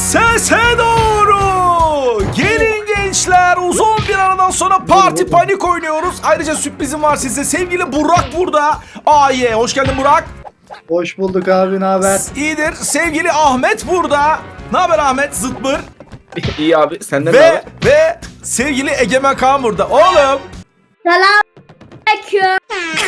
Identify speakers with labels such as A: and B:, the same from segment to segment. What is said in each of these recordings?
A: Sese doğru. Gelin gençler, uzun bir aradan sonra Parti Panik oynuyoruz. Ayrıca sürprizim var size. Sevgili Burak burada. Hoş geldin Burak.
B: Hoş bulduk abi, ne haber?
A: İyidir. Sevgili Ahmet burada. Ne haber Ahmet? Zıtmır.
C: İyi abi, senden ne haber?
A: Ve sevgili Egemen Kaan burada. Oğlum.
D: Selamünaleyküm.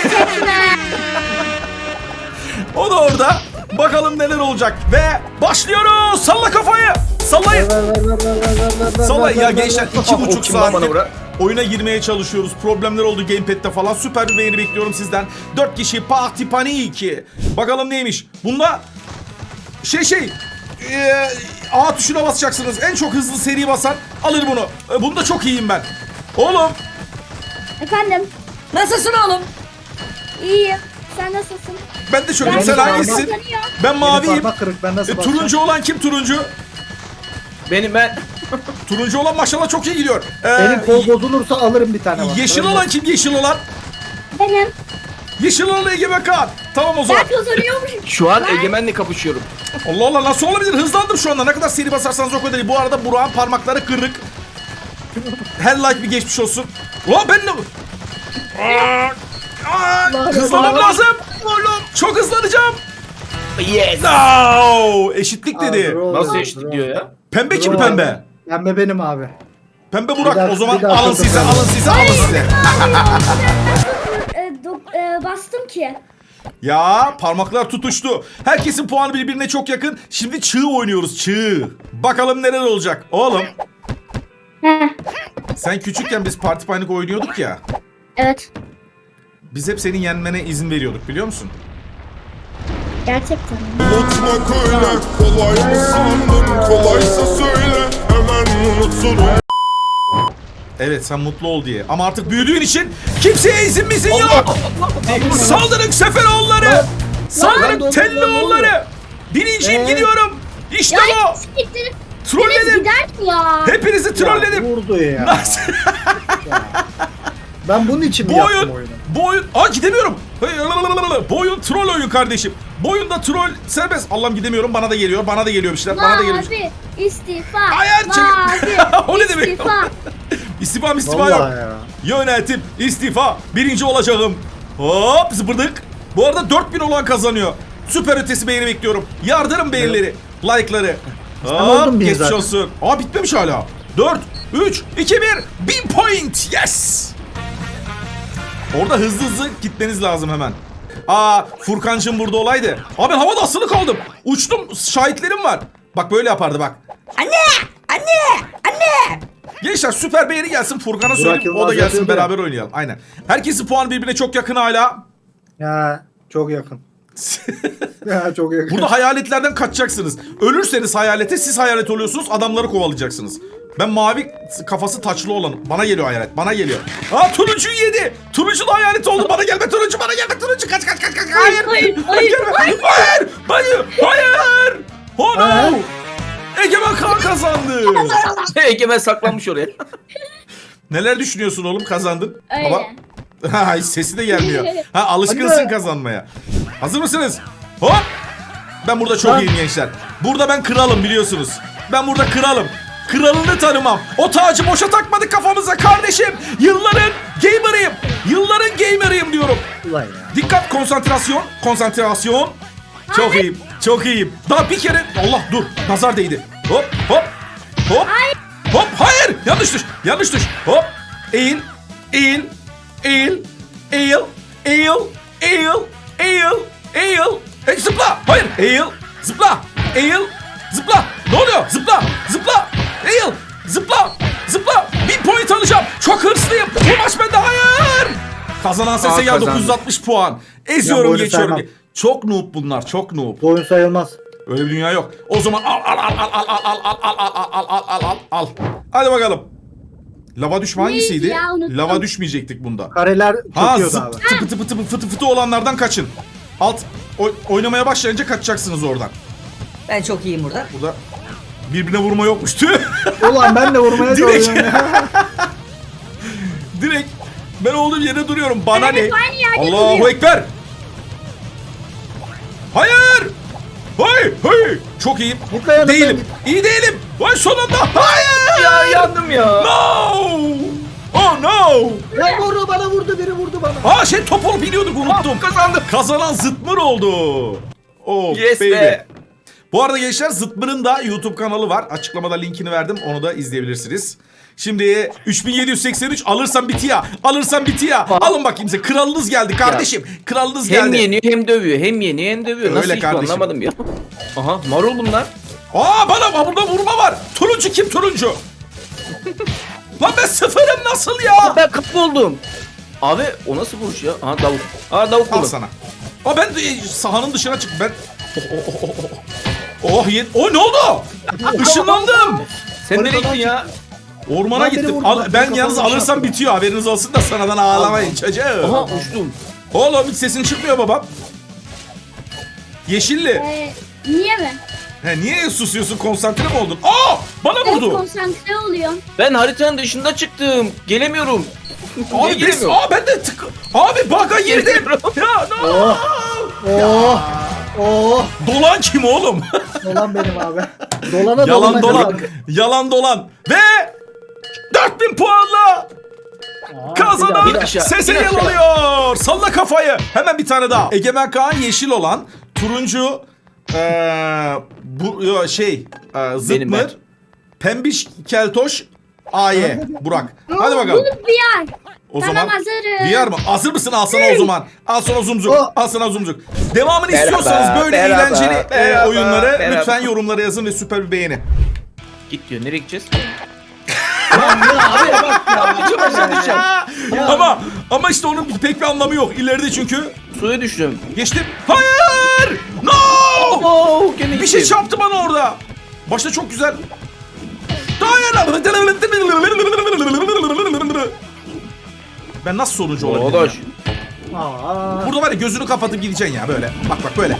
A: O da orada. Bakalım neler olacak. Ve başlıyoruz. Salla kafayı. Sallayın. Sallayın ya gençler. 2,5 saattir oyuna girmeye çalışıyoruz. Problemler oldu gamepad'de falan. Süper bir beğeni bekliyorum sizden. 4 kişi Parti Panik. Bakalım neymiş. Bunda A tuşuna basacaksınız. En çok hızlı seri basan alır bunu. Bunda çok iyiyim ben. Oğlum.
D: Efendim.
E: Nasılsın oğlum?
D: İyiyim. Sen nasılsın?
A: Ben de çok iyiyim. Sen hangisisin? Ben maviyim.
B: Ben nasıl
A: Turuncu olan kim turuncu?
C: Ben.
A: Turuncu olan maşallah çok iyi gidiyor.
B: Benim kol bozulursa alırım bir tane.
A: Yeşil olan kim? Yeşil olan?
D: Benim.
A: Yeşil olan Egemen Kaan. Tamam o zaman.
D: Ben kazanıyormuşum.
C: Şu an Egemen'le kapışıyorum.
A: Allah Allah, nasıl olabilir? Hızlandım şu anda. Ne kadar seri basarsanız o kadar iyi. Bu arada Burak'ın parmakları kırık. Her like bir geçmiş olsun. Ulan ben de... Hızlanmam lazım. Çok hızlanacağım.
C: Yes.
A: No! Eşitlik dedi.
C: Nasıl eşitlik diyor ya?
A: Pembe kim pembe?
B: Pembe benim abi.
A: Pembe Burak.
B: Bir
A: O zaman
B: dakika,
A: alın size, alın size, alın size.
D: Bastım ki.
A: Ya parmaklar tutuştu. Herkesin puanı birbirine çok yakın. Şimdi çığ oynuyoruz, çığ. Bakalım neler olacak. Oğlum. Sen küçükken biz Parti Panik oynuyorduk ya.
D: Evet.
A: Biz hep senin yenmene izin veriyorduk, biliyor musun?
D: Gerçekten.
F: Unutmak öyle kolay mı sandın? Kolaysa söyle hemen unuturum.
A: Evet, sen mutlu ol diye. Ama artık büyüdüğün için kimseye izin mizin yok. Saldırın Seferoğulları. Saldırın Telloğulları. Birinciyim, gidiyorum. İşte bu. Trolledim.
D: Gider mi ya?
A: Hepinizi trolledim.
B: Vurdu ya.
A: Nasıl?
B: Ben bunun için mi
A: Bu
B: yaptım
A: oyun,
B: oyunu?
A: bu oyun, gidemiyorum. Bu oyun troll oyun kardeşim. Bu oyunda troll serbest. Allah'ım gidemiyorum, bana da geliyor, bana da geliyor bir şeyler, bana da geliyor.
D: Mavi istifa.
A: Hayır,
D: Mavi
A: o ne demek?
D: istifa.
A: İstifa yok.
B: Vallahi ya.
A: Yönetim, istifa, birinci olacağım. Hop, zıpırdık. Bu arada 4000 olan kazanıyor. Süper ötesi beğeni bekliyorum. Yardırın beğenileri, like'ları.
B: oldun
A: Hop,
B: bir
A: geçmiş
B: zaten.
A: olsun. Bitmemiş hala. 4, 3, 2, 1. 1000 point. Yes. Orada hızlı gitmeniz lazım hemen. Furkancığım burada olaydı. Ben havada asılı kaldım. Uçtum, şahitlerim var. Bak böyle yapardı bak.
E: Anne!
A: Gençler süper beğeni gelsin, Furkan'a söyleyeyim,
B: Yılmaz
A: o da gelsin,
B: yapıyordu ya.
A: beraber oynayalım. Aynen. Herkesin puanı birbirine çok yakın hala.
B: Ya çok yakın. Ya çok yakın.
A: Burada hayaletlerden kaçacaksınız. Ölürseniz hayalete, siz hayalet oluyorsunuz, adamları kovalayacaksınız. Ben mavi kafası taçlı olanım. Bana geliyor hayalet, bana geliyor. Turuncuyu yedi. Turuncu da hayalet oldu. Bana gelme turuncu, bana gelme turuncu. Kaç. Hayır.
D: Hayır.
A: Oh no. Egemen Kaan kazandı.
C: Egemen saklanmış oraya.
A: Neler düşünüyorsun oğlum, kazandın?
D: Öyle.
A: Hiç sesi de gelmiyor. Alışkınsın kazanmaya. Hazır mısınız? Hop! Ben burada çok iyiyim gençler. Burada ben kralım, biliyorsunuz. Ben burada kralım. Kralını tanımam. O tacı boşa takmadık kafamıza kardeşim. Yılların gamerıyım diyorum.
B: Ulan ya.
A: Dikkat, konsantrasyon. Çok iyiyim. Daha bir kere, Allah dur, nazar değdi. Hop. Hop, hayır, yanlış düş. Hop, eğil. Zıpla. Hayır, eğil, zıpla. Ne oluyor? Zıpla. Eğil, zıpla. 1000 point alacağım. Çok hırslıyım. Bu maç bende, hayır. Kazanan sese ya, 960 puan. Eziyorum,
B: oyunu
A: geçiyorum.
B: saymam.
A: Çok noob bunlar, çok noob.
B: Bu oyun sayılmaz.
A: Öyle bir dünya yok. O zaman al. Hadi bakalım. Lava düşme hangisiydi?
D: ya, unuttum.
A: Lava düşmeyecektik bunda.
B: Kareler çöküyordu abi.
A: Fıtı fıtı olanlardan kaçın. Oynamaya başlayınca kaçacaksınız oradan.
E: Ben çok iyiyim burada.
A: Burada birbirine vurma yokmuş. Tüh.
B: Ulan ben de vurmaya
A: Direkt.
B: çalışıyorum ya.
A: Direkt ben olduğum yere duruyorum. Bana
D: Ben
A: ne?
D: hep aynı yerde
A: Allahu
D: duruyorum.
A: Ekber. Hayır. Hey hey. Çok iyiyim.
B: Git lan yanımdan
A: Değilim.
B: git.
A: İyi değilim. Vay sonunda. Hayır.
C: Ya yandım ya.
A: No. Oh no.
B: Ya vurdu bana vurdu biri vurdu bana.
A: Aa şey top olup biliyorduk unuttum.
C: Kazandım.
A: Kazanan Zıtmır oldu. Oh
C: Yes
A: baby.
C: be.
A: Bu arada gençler Zıtmır'ın da YouTube kanalı var. Açıklamada linkini verdim. Onu da izleyebilirsiniz. Şimdi 3783 alırsam bitiyor. Alırsam bitiyor. Alın bakayım size. Kralınız geldi kardeşim. Kralınız
C: Hem
A: geldi.
C: yeniyor hem dövüyor. Hem yeniyor hem dövüyor.
A: Öyle
C: Nasıl hiç
A: kardeşim.
C: anlamadım ya. Aha marul bunlar.
A: Aa bana burada vurma var. Turuncu kim turuncu? Lan ben sıfırım nasıl ya?
C: Ben kapı oldum. Abi o nasıl vuruş ya? Aha davuk. Aa davuk
A: Al
C: buldum.
A: sana. Aa ben de sahanın dışına çık. Ben... Oh ne oldu? Işınlandım.
C: Sen nereye gittin ya?
A: Ormana
B: Lan beni
A: gittim.
B: vurdu, bak,
A: Ben
B: kafamı
A: yalnız
B: şey
A: alırsam
B: yaptım.
A: bitiyor. Haberiniz olsun da sonradan ağlamayın çocuğum.
C: Aha uçtum.
A: Oğlum hiç sesin çıkmıyor babam. Yeşilli.
D: Niye mi?
A: He, niye susuyorsun? Konsantre mi oldun? Aa! Bana
D: Ben
A: vurdu.
D: konsantre oluyorum.
C: Ben haritanın dışında çıktım. Gelemiyorum. Niye
A: Abi
C: gelemiyorum?
A: ben de Abi baka girdim.
C: Gelemiyorum.
A: Ya no.
B: Oh. Oh.
A: Dolan kim oğlum?
B: Dolan benim abi. Dolana
A: Yalan
B: dolana
A: dolan.
B: kadar.
A: Yalan dolan. Ve 4000 puanla kazanan
C: bir aşağı,
A: sesi
C: bir aşağı.
A: alıyor. Salla kafayı. Hemen bir tane daha. Egemen Kaan yeşil olan, turuncu bu zıtmır,
C: ben.
A: pembiş keltoş Aye Burak. Hadi bakalım.
D: Bulut bir yer.
A: O
D: Tamam,
A: zaman
D: hazırım.
A: VR mı? Hazır mısın? Al sana o zaman. Al sana zumzuk.
B: Oh.
A: Al sana zumzuk. Devamını
C: Merhaba,
A: istiyorsanız böyle
C: merhaba,
A: eğlenceli
C: merhaba,
A: oyunları
C: merhaba.
A: lütfen yorumlara yazın ve süper bir beğeni.
C: Git diyor. Nereye gideceğiz?
A: Ama işte onun pek bir anlamı yok. İleride çünkü
C: Suya düştüm.
A: geçtim. Hayır! No!
C: Oo, gene
A: Bir şey
C: gittim.
A: çarptı bana orada. Başta çok güzel. Hayır! Ben nasıl sonuncu olabilirim
C: Odaş.
A: ya?
B: Aa.
A: Burada var ya gözünü kapatıp gideceksin ya böyle. Bak böyle.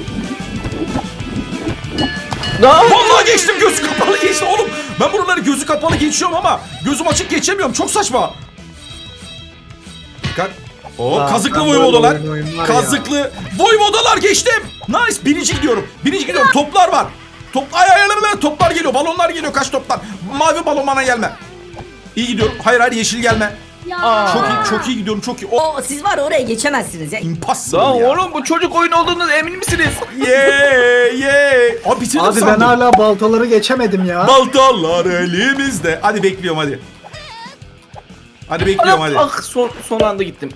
A: Vallahi geçtim, gözü kapalı geçtim oğlum. Ben buraları gözü kapalı geçiyorum ama gözüm açık geçemiyorum. Çok saçma. Dikkat.
B: Aa,
A: Kazıklı
B: ben
A: voyvodalar.
B: böyle oyun var ya.
A: Kazıklı voyvodalar geçtim. Nice. Birinci gidiyorum. Toplar var. Toplar geliyor. Balonlar geliyor. Kaç toplar. Mavi balon bana gelme. İyi gidiyorum. Hayır yeşil gelme.
D: Ya.
A: Çok iyi gidiyorum. Çok iyi.
E: Siz var ya oraya geçemezsiniz ya.
A: Impossible
C: Lan
A: ya.
C: oğlum bu çocuk oyun olduğunuz emin misiniz?
A: Yeah. Abi bitirdim
B: Abi ben
A: sandım.
B: hala baltaları geçemedim ya.
A: Baltalar elimizde. Hadi bekliyorum hadi. Hadi bekliyorum hadi.
C: Ah son anda gittim.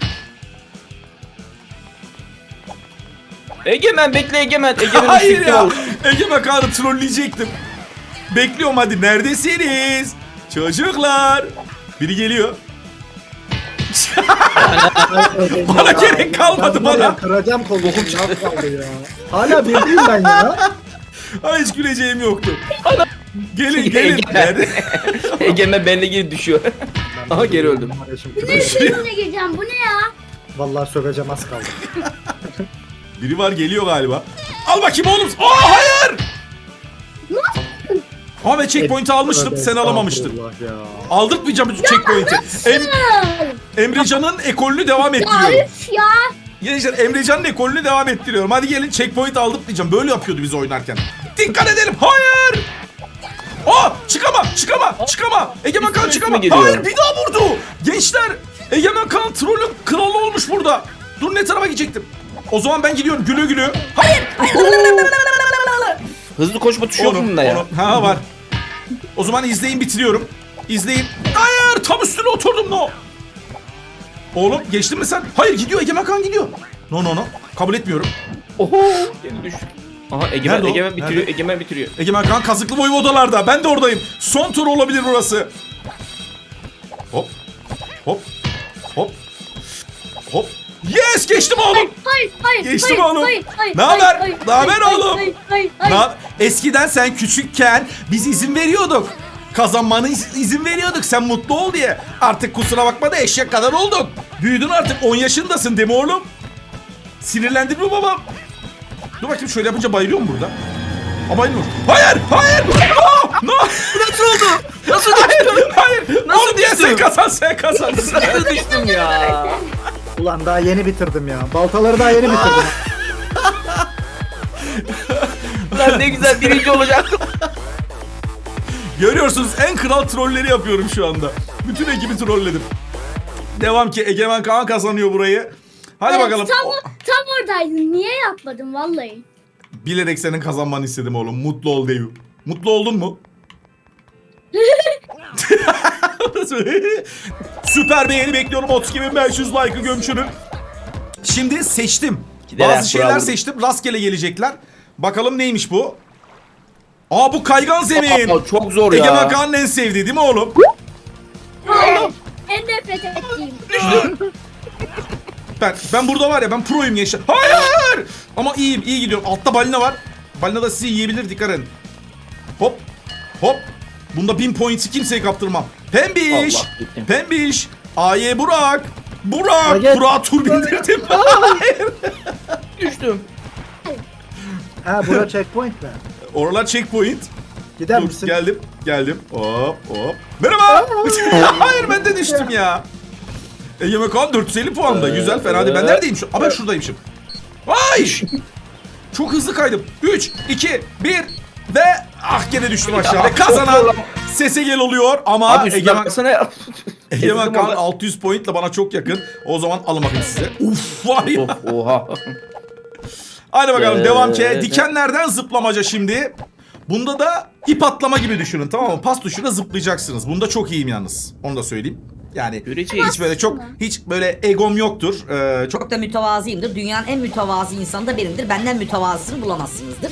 C: Egemen bekle Egemen. Egemen
A: Hayır
C: üstlükte
A: ya.
C: ol.
A: Egemen Kaan'ı trolleyecektim. Bekliyorum hadi. Neredesiniz? Çocuklar. Biri geliyor. Bana gerek kalmadı
B: Ben var ya,
A: bana.
B: Kıracağım kolumu. Az kaldı ya. Hala birdeyim ben ya.
A: Ay hiç güleceğim yoktu. Gelin.
C: Egemen.
A: Nerede?
C: Egemen benimle geri düşüyor. Aha geri öldüm.
D: Ne suyuna gireceğim? Bu ne ya?
B: Vallahi söveceğim az kaldı.
A: Biri var geliyor galiba. Al bakayım oğlum. Aa hayır. Ama ben checkpoint'i almıştım.
B: Tövbe
A: Sen alamamıştın.
B: estağfurullah ya.
A: Aldırtmayacağım bütün checkpoint'i. Emrecan'ın ekolünü devam
D: Ya
A: ettiriyorum.
D: üf ya.
A: Gençler Emrecan'ın ekolünü devam ettiriyorum. Hadi gelin checkpoint aldırtmayacağım. Böyle yapıyordu biz oynarken. Dikkat edelim. Hayır. Aa çıkama. Egemen Kaan
C: Üstüme
A: çıkama.
C: geliyor.
A: Hayır bir daha vurdu. Gençler Egemen Kaan trollün kralı olmuş burada. Dur ne tarafa gidecektim. O zaman ben gidiyorum gülü. Hayır.
C: Hızlı koşma tuşu yok mu bunda ya?
A: Ha var. O zaman izleyin bitiriyorum. İzleyin. Hayır tam üstüne oturdum no. Oğlum geçtin mi sen? Hayır gidiyor Egemen Kaan gidiyor. No. Kabul etmiyorum.
C: Oho geri düştük. Aha Egemen
A: Nerede o?
C: bitiriyor.
A: Nerede?
C: Egemen bitiriyor.
A: Egemen Kaan kazıklı voyvodalarda. Ben de oradayım. Son tur olabilir burası. Hop. Yes geçtim oğlum.
D: Hayır.
A: Geçtim
D: hayır,
A: oğlum.
D: hayır,
A: Ne haber?
D: hayır,
A: Ne haber
D: hayır,
A: oğlum?
D: hayır.
A: Eskiden sen küçükken biz izin veriyorduk. Kazanmanı izin veriyorduk sen mutlu ol diye. Artık kusura bakma da eşek kadar oldun. Büyüdün artık 10 yaşındasın değil mi oğlum? Sinirlendin mi babam? Dur bakayım şöyle yapınca bayılıyor mu burada? Aa bayılmıyor. Hayır! No!
C: Nasıl oldu? Nasıl
A: Hayır!
C: Nasıl
A: Oğlum diye
C: düştün?
A: sen kazan.
C: Nasıl düştüm ya?
B: Ulan daha yeni bitirdim ya. Baltaları daha yeni bitirdim.
C: Ulan ne güzel birinci olacaktım.
A: Görüyorsunuz en kral trolleri yapıyorum şu anda. Bütün ekibi trolledim. Devam ki Egemen Kaan kazanıyor burayı. Hadi
D: Evet,
A: bakalım.
D: Tam oradaydın. Niye yapmadın vallahi?
A: Bilerek senin kazanmanı istedim oğlum. Mutlu ol Deyu. Mutlu oldun mu? Süper beğeni bekliyorum. 32.500 like'ı gömçürün. Şimdi seçtim.
C: Giderek
A: Bazı şeyler
C: bravo.
A: seçtim. Rastgele gelecekler. Bakalım neymiş bu? Aa bu kaygan zemin.
C: Aa, çok zor ya.
A: Egemen Kaan'ın en sevdiği değil mi oğlum?
D: Hayır. En nefret ettiğim.
A: Ben burada var ya, ben proyum gençler. Hayır! Ama iyi gidiyorum. Altta balina var. Balina da sizi yiyebilir, dikkat edin. Hop. Hop. Bunda 1000 points'i kimseye kaptırmam. Pembiş.
C: Allah, gittim.
A: Pembiş. Aye Burak. Burak.
B: Hayır.
A: Burak'a tur bindirdim.
C: Düştüm.
B: Ha bura checkpoint mi?
A: Oralar checkpoint.
B: Gider
A: Dur,
B: misin?
A: geldim. Hop. Merhaba. Hayır, ben de düştüm ya. Egemen Kaan 450 puanda. Güzel, fena değil. Ben neredeyim şu? Aa, ben şuradaymışım. Ay! Çok hızlı kaydım. 3, 2, 1 ve gene düştüm aşağı. Ve kazanan Sesegel oluyor ama
C: Abi üstüne
A: Egemen
C: baksana ya.
A: Kaan
C: orada.
A: 600 pointle bana çok yakın. O zaman alın bakayım size. Uf var ya.
C: Of, oha.
A: Hadi bakalım devam ki.
C: Evet.
A: Dikenlerden zıplamaca şimdi. Bunda da ip atlama gibi düşünün, tamam mı? Pas tuşuyla zıplayacaksınız. Bunda çok iyiyim yalnız. Onu da söyleyeyim. Yani
C: Göreceğiz.
A: hiç böyle egom yoktur. Çok
E: Çok da mütevazıyımdır. Dünyanın en mütevazı insanı da benimdir. Benden mütevazısını bulamazsınızdır.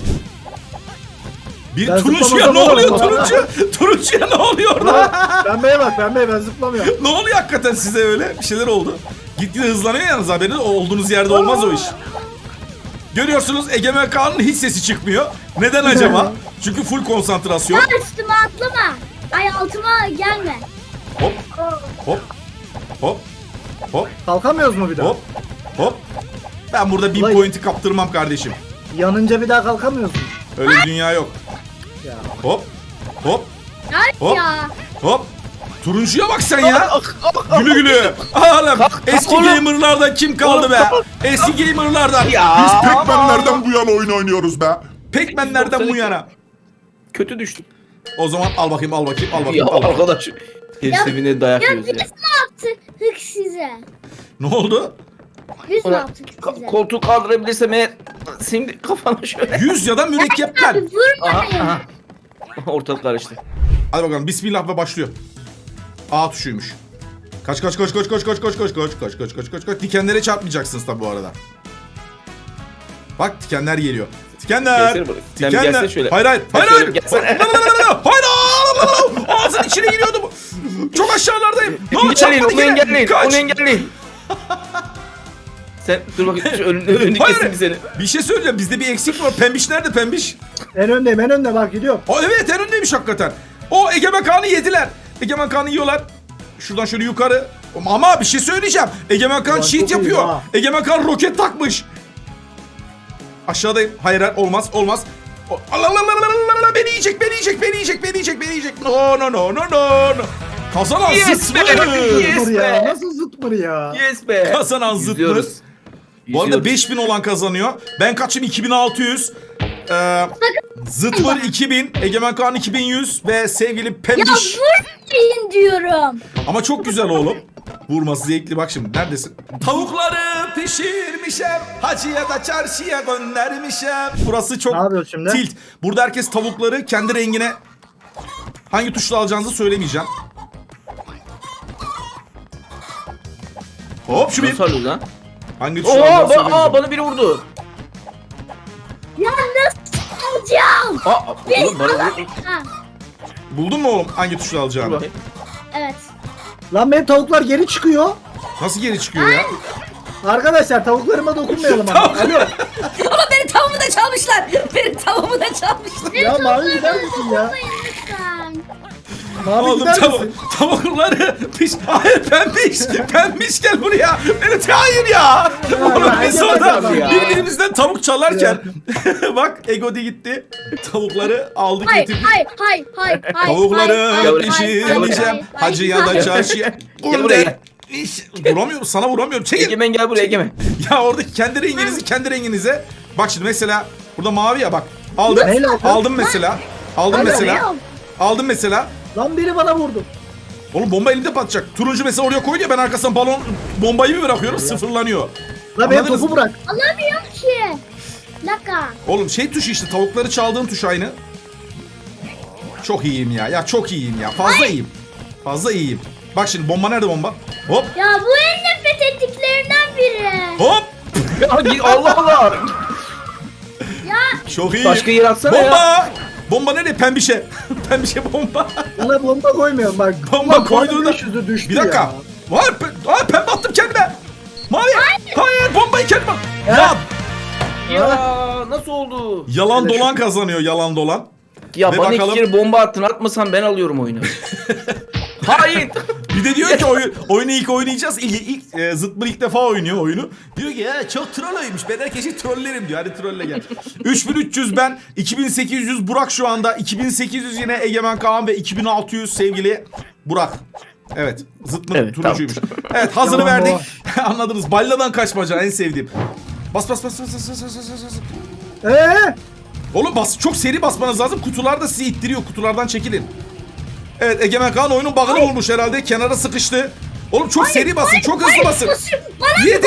A: bir
B: Ben
A: turuncuya
B: zıplamazsam
A: ne oluyor
B: olur.
A: turuncuya ne oluyor orada?
B: Pembeye bak pembeye, ben zıplamıyorum.
A: Ne oluyor hakikaten size öyle? Bir şeyler oldu. Gitgide hızlanıyor yalnız, haberiniz olduğunuz yerde olmaz o iş. Görüyorsunuz Egemen Kaan'ın hiç sesi çıkmıyor. Neden acaba? Çünkü full konsantrasyon.
D: Ya üstüme atlama. Ay altıma gelme.
A: Hop hop hop hop
B: Kalkamıyoruz mu bir daha?
A: hop hop. Ben burada 1000
B: Ulan-
A: point'i kaptırmam kardeşim.
B: Yanınca bir daha kalkamıyoruz mu?
A: Öyle bir dünya yok.
B: Ya.
A: Hop hop
D: Ay
A: Hop.
D: ya.
A: hop. Turuncuya bak sen ya. Gülü gülü. Oğlum eski
C: oğlum.
A: gamerlardan kim kaldı be? Eski gamerlardan.
C: Ya.
F: Biz Pac-Man'lerden bu yana oyun oynuyoruz be.
A: Pac-Man'lerden bu yana.
C: Kötü düştüm.
A: O zaman al bakayım.
C: Ya
A: Al bakayım.
C: arkadaş. Herifine dayak
D: Ya
C: yiyoruz
D: biz
C: ya.
D: ne yaptık size?
A: Ne oldu?
D: Biz ne
C: Ulan,
D: yaptık size?
C: koltuğu kaldırabilirsem eğer şimdi kafana şöyle.
A: 100 ya da mürekkepler.
D: Abi vurmayın.
C: Aha. Ortalık karıştı.
A: Hadi bakalım, bismillah ve başlıyor. A tuşuymuş. Kaç. Dikenlere çarpmayacaksınız tabi bu arada. Bak dikenler geliyor. Dikenler.
C: Gelsene buraya. Sen bir gelsene şöyle.
A: Hayır.
C: Sen şöyle gelsene.
A: Hayır. Ağzın içine giriyordu bu. Çok aşağılardayım. Ne oldu,
C: Engelleyin,
A: çarpmadı
C: onu
A: gene.
C: engelleyin.
A: Kaç.
C: Onu engelleyin. Sen dur bakayım şu önünü
A: Hayır.
C: kesin bir seni.
A: Bir şey söyleyeceğim. Bizde bir eksik var. Pembiş nerede pembiş?
B: En önde bak gidiyorum.
A: Evet, en öndeymiş hakikaten. O Egemen Kaan'ı yediler. Egemen Kaan'ı yiyorlar. Şuradan şöyle yukarı. Ama bir şey söyleyeceğim. Egemen Kaan
B: Ulan
A: cheat
B: çok iyi
A: yapıyor.
B: ha.
A: Egemen Kaan roket takmış. Aşağıdayım. Hayır olmaz. Allah. Beni yiyecek. No. Kazanan
C: Yes
A: zıtmır.
C: be. Yes
B: Zıtmır ya.
C: be.
B: Nasıl zıtmır ya?
C: Yes be.
A: Kazanan zıtmır.
C: İzliyoruz.
A: Bu arada
C: İzliyoruz.
A: 5000 olan kazanıyor. Ben kaçım? 2600. Zıtmır 2000. Egemen Kaan 2100. Ve sevgili
D: Ya
A: Pembiş.
D: vurmayın diyorum.
A: Ama çok güzel oğlum. Vurması zevkli, bak şimdi neredesin? Tavukları pişirmişim, hacıya da çarşıya göndermişim. Burası çok
B: Ne yapıyoruz şimdi?
A: tilt. Burada herkes tavukları kendi rengine hangi tuşla alacağınızı söylemeyeceğim. Hop şu bir.
C: Nasıl alıyoruz lan?
A: Hangi tuşla
C: Oha
A: alacağınızı söylemeyeceğim.
C: bana biri vurdu.
D: Ya nasıl alacağım?
C: Oğlum bana vurdu.
D: Ha,
A: Buldun mu oğlum hangi tuşla
C: Dur
A: alacağını?
C: bakayım.
D: evet.
B: Lan benim tavuklar geri çıkıyor.
A: Nasıl geri çıkıyor ya?
B: Arkadaşlar tavuklarıma dokunmayalım ama. Alo.
E: Ama benim tavuğumu da çalmışlar. Benim tavuğumu da çalmışlar.
B: Ya Mavi gider misin ya?
D: Vurmayın lütfen.
B: Mavi
A: Oğlum
B: gider misin?
A: tavukları hayır pembiş gel buraya. Evet, hayır ya. Oğlum biz
B: Egemen
A: orada
B: Kaan
C: ya.
A: birbirimizden tavuk çalarken bak Egodi gitti. Tavukları aldık
D: Hayır,
A: getirdik.
D: hayır.
A: Tavukları pişireceğim. Hacıya da çarşıya.
C: Gel
A: Burada
C: buraya.
A: vuramıyorum, sana vuramıyorum. Çekil.
C: Egemen gel buraya Egemen.
A: Ya oradaki kendi renginize. Bak şimdi mesela burada mavi ya bak. Aldım.
B: Neyle aldın?
A: Aldım mesela. Aldım
B: Hadi
A: mesela. Aldım mesela.
B: Lan biri bana vurdu.
A: Oğlum bomba elimde patlayacak. Turuncu mesela oraya koydu ya, ben arkasından bombayı bir bırakıyorum, sıfırlanıyor.
B: Lan benim
A: Anladınız
B: topu
A: mı?
B: bırak.
D: Alamıyorum ki. Bir dakika.
A: Oğlum şey tuşu işte, tavukları çaldığın tuş aynı. Çok iyiyim ya. Ya çok iyiyim ya. Fazla iyiyim. Fazla iyiyim. Bak şimdi bomba nerede bomba? Hop
D: Ya bu en nefret ettiklerimden biri.
A: hop.
C: Ya git Allah Allah.
A: Çok iyiyim.
C: Başka yer atsana
A: bomba.
C: ya.
A: Bomba nerede? Pembişe. Pembişe bomba.
B: Buna bomba koymuyorum bak.
A: Bomba
B: Lan
A: koyduğunda.
B: bana 500'ü düştü
A: Bir dakika.
B: ya.
A: Var pembe attım kendime. Mavi. Hayır bombayı kendime. Ya
C: Ya nasıl oldu?
A: yalan
B: Hele
A: dolan kazanıyor, yalan dolan.
C: Ya
A: Ve
C: bana
A: bakalım-
C: 2 kere bomba attın, atmasan ben alıyorum oyunu. Hayır.
A: Bir de diyor ki oyunu ilk oynayacağız. Zıtmır ilk defa oynuyor oyunu. Diyor ki ya çok troll oymuş. Ben herkesi trollerim diyor. Hadi trolle gel. 3300 ben. 2800 Burak şu anda. 2800 yine Egemen Kaan ve 2600 sevgili Burak. Evet. Zıtmır
C: Evet,
A: turuncuymuş. Evet, hazırı
B: Tamam,
A: verdik. Anladınız. Balladan kaçmaca en sevdiğim. Bas. Oğlum bas, çok seri basmanız lazım. Kutular da sizi ittiriyor. Kutulardan çekilin. Evet, Egemen Kaan oyunun bug'ını bulmuş herhalde. Kenara sıkıştı. Oğlum çok seri basın. Çok hızlı basın.
D: Bana
A: Yedi.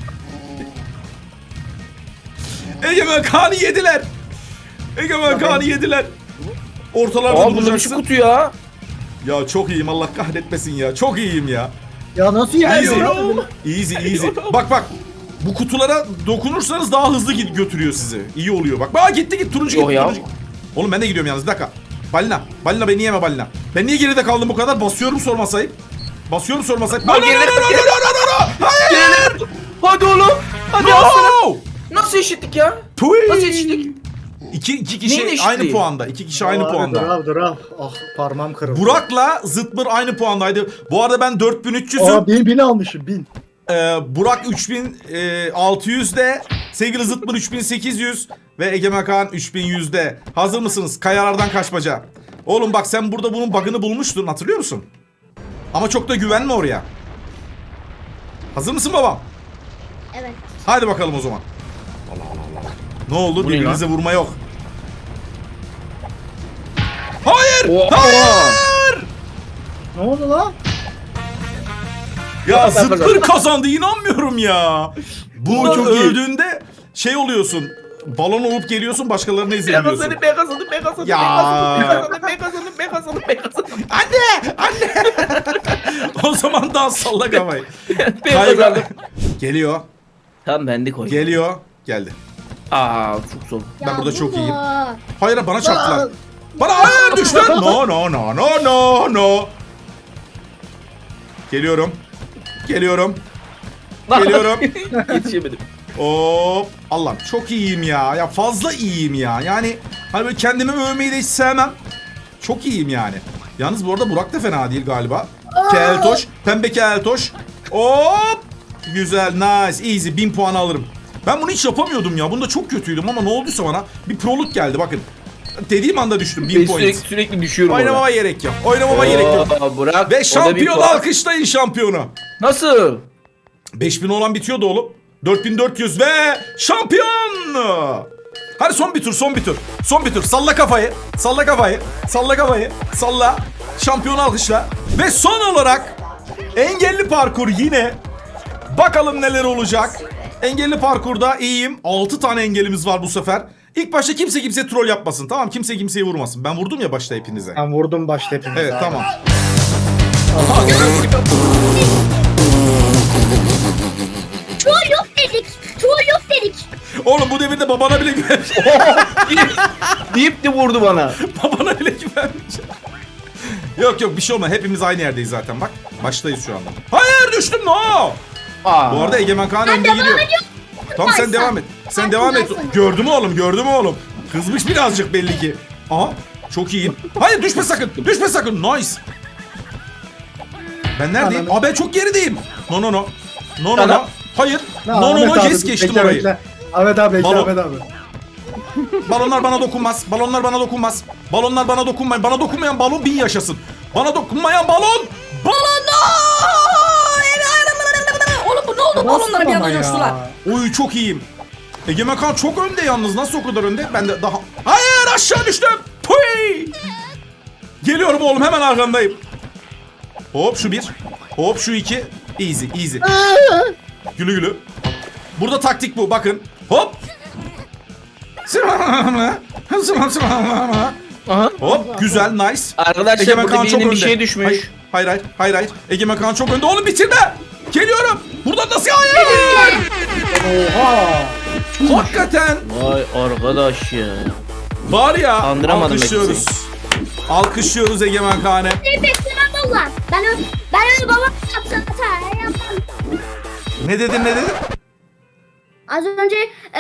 A: Egemen Kaan'ı yediler. Egemen Kaan'ı yediler. Ortalarda
C: Aa bunda bir şey
A: duracaksın.
C: kutu ya.
A: Ya çok iyiyim, Allah kahretmesin ya. Çok iyiyim ya.
B: Ya nasıl ilerliyor?
A: Easy. Bak. Bu kutulara dokunursanız daha hızlı götürüyor sizi. İyi oluyor bak. Bak gitti turuncu
C: Yok
A: gitti.
C: ya.
A: Turuncu. Oğlum ben de gidiyorum yalnız, bir dakika. Balina beni yeme balina. Ben niye geride kaldım bu kadar? Basıyorum sormasayıp. No. Hayır.
C: Hadi oğlum. Hadi alsana.
A: No.
C: Nasıl eşittik ya?
A: Tui.
C: Nasıl eşittik?
A: İki
C: Neyin
A: kişi
C: eşitliği?
A: aynı puanda. İki kişi aynı puanda.
B: Dur al. Ah parmağım kırıldı.
A: Burak'la Zıtmır aynı puandaydı. Bu arada ben 4300'üm.
B: Aa 1000 almışım 1000.
A: Burak 3600'de. Sevgili Zıtmır 3800. Ve Egemen Kaan 3100'de. Hazır mısınız? Kayalardan kaçmaca. Oğlum bak, sen burada bunun bug'ını bulmuştun, hatırlıyor musun? Ama çok da güvenme oraya. Hazır mısın babam?
D: Evet.
A: Hadi bakalım o zaman. Ne oldu?
C: Bu ne
A: Birbirinize vurma yok. Hayır!
C: Oha!
A: Hayır!
B: Ne oldu lan?
A: Ya Zıtmır kazandı, inanmıyorum ya. Bu
C: çok iyi.
A: öldüğünde şey oluyorsun. Balon olup geliyorsun, başkalarına izleniyorsun.
C: Ben kazandım.
A: Ya.
C: Ben kazandım.
A: Anne! O zaman daha salla kafayı.
C: Ben
A: Kayga-
C: kazandım.
A: Geliyor.
C: Tamam ben de koydum.
A: Geliyor. Geldi.
C: Aa çok zor.
A: Ben burada
D: bu
A: çok
D: mu?
A: iyiyim. Hayır, bana çarptılar. Bana hayır düştü. No. Geliyorum.
C: Yetişemedim.
A: Hop. Allah'ım çok iyiyim ya. Ya fazla iyiyim ya. Yani hani böyle kendimi övmeyi de hiç sevmem. Çok iyiyim yani. Yalnız bu arada Burak da fena değil galiba. Keltoş. Pembe keltoş. Hop. Güzel, nice, easy. 1000 puan alırım. Ben bunu hiç yapamıyordum ya. Bunda çok kötüydüm ama ne olduysa bana bir proluk geldi bakın. Dediğim anda düştüm. 1000
C: Ben
A: point.
C: sürekli düşüyorum
A: Oynamama gerek yok. Oynamama gerek yok.
C: Bırak.
A: Ve şampiyon alkışlayın şampiyonu.
C: Nasıl?
A: 5000 olan bitiyordu oğlum. 4400 ve şampiyon. Hadi son bir tur. Salla kafayı. Salla. Şampiyon alkışla. Ve son olarak engelli parkur yine. Bakalım neler olacak. Engelli parkurda iyiyim. 6 tane engelimiz var bu sefer. İlk başta kimse troll yapmasın. Tamam, kimse kimseyi vurmasın. Ben vurdum ya başta hepinize.
B: Ben vurdum başta hepimiz.
A: Evet,
B: abi.
A: tamam.
D: Troll yok dedik.
A: Oğlum bu devirde babana bile güvenmiş.
C: Deyip de vurdu bana.
A: Babana bile güvenmiş. Yok bir şey olmaz. Hepimiz aynı yerdeyiz zaten bak. Baştayız şu anda. Hayır düştüm no.
C: Aa.
A: Bu arada Egemen Kaan önde gidiyor. Tamam sen devam et. Sen devam et. Gördüm oğlum. Kızmış birazcık belli ki. Aha çok iyiyim. Hayır düşme sakın. Nice. Ben neredeyim? Aa ben çok gerideyim. No.
C: Tamam.
A: Hayır.
B: Ahmet
A: No.
B: abi,
A: Yes geçtim
B: bekle,
A: orayı.
B: bekle. Ahmet abi bekle
A: Balon.
B: Ahmet abi.
A: Balonlar bana dokunmaz. Balonlar bana dokunmayın. Bana dokunmayan balon 1000 yaşasın. Bana dokunmayan balon.
E: Oğlum bu ne oldu? Balonlara bir anda coştular.
A: Oy çok iyiyim. Egemen Kaan çok önde yalnız. Nasıl o kadar önde? Ben de daha... Hayır! aşağı düştüm. Puy! Geliyorum oğlum, hemen arkandayım. Hop şu bir. Hop şu iki. Easy easy. Gülü gülü. Burada taktik bu, bakın. Hop.
C: Aha.
A: Hop güzel, nice.
C: Arkadaşlar
A: Egemen
C: burada
A: Kaan çok
C: birinin bir
A: önde.
C: şey düşmüş.
A: Hayır. Egemen Kaan çok önde. Oğlum bitirme. Geliyorum. Buradan nasıl? Hayır.
B: Oha.
A: Hakikaten.
C: Vay arkadaş ya.
A: Var ya,
C: Andıramadım
A: alkışlıyoruz. Alkışlıyoruz Egemen Kaan'ı.
D: Ne beklemem valla. Ben öyle babam yapsam hata yapmam.
A: Ne dedin?
D: Az önce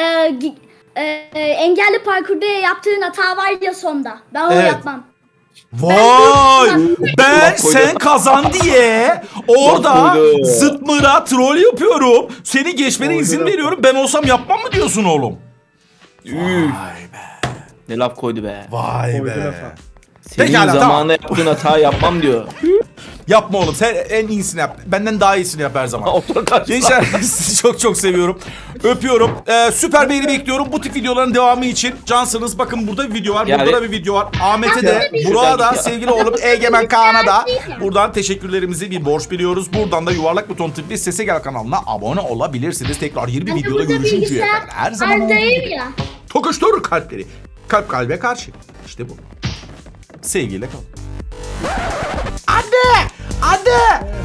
D: engelli parkurda yaptığın hata var ya sonda. Ben onu
A: Evet.
D: yapmam.
A: Vay! Ben
C: koydu.
A: sen kazan diye orada
C: Bak koydu.
A: zıtmıra troll yapıyorum. Seni geçmene izin
B: Koydu.
A: veriyorum. Ben olsam yapmam mı diyorsun oğlum?
C: Üf. Ne laf koydu be.
A: Vay
B: Koydu
A: be.
B: lafa.
C: Senin
A: Pekala, tamam.
C: zamanında yaptığın hata yapmam diyor.
A: Yapma oğlum, sen en iyisini yap. Benden daha iyisini yap her zaman.
C: Otur karşısına.
A: Gençler sizi çok seviyorum. Öpüyorum. Süper beğeni bekliyorum. Bu tip videoların devamı için cansınız. Bakın burada bir video var.
C: Yani-
A: Burada da bir video var. Ahmet'e de,
D: Ya,
A: Burak'a da,
C: ya.
A: sevgili oğlum Egemen Kaan'a da buradan teşekkürlerimizi bir borç biliyoruz. Buradan da Yuvarlak Buton tıklayıp Sese Gel kanalına abone olabilirsiniz. Tekrar yeni bir videoda görüşünceye kadar. Her zaman olduğu
D: Arda'yım
A: gibi.
D: ya.
A: Tokuştur kalpleri. Kalp kalbe karşı. İşte bu. Sevgiyle kal. Anne!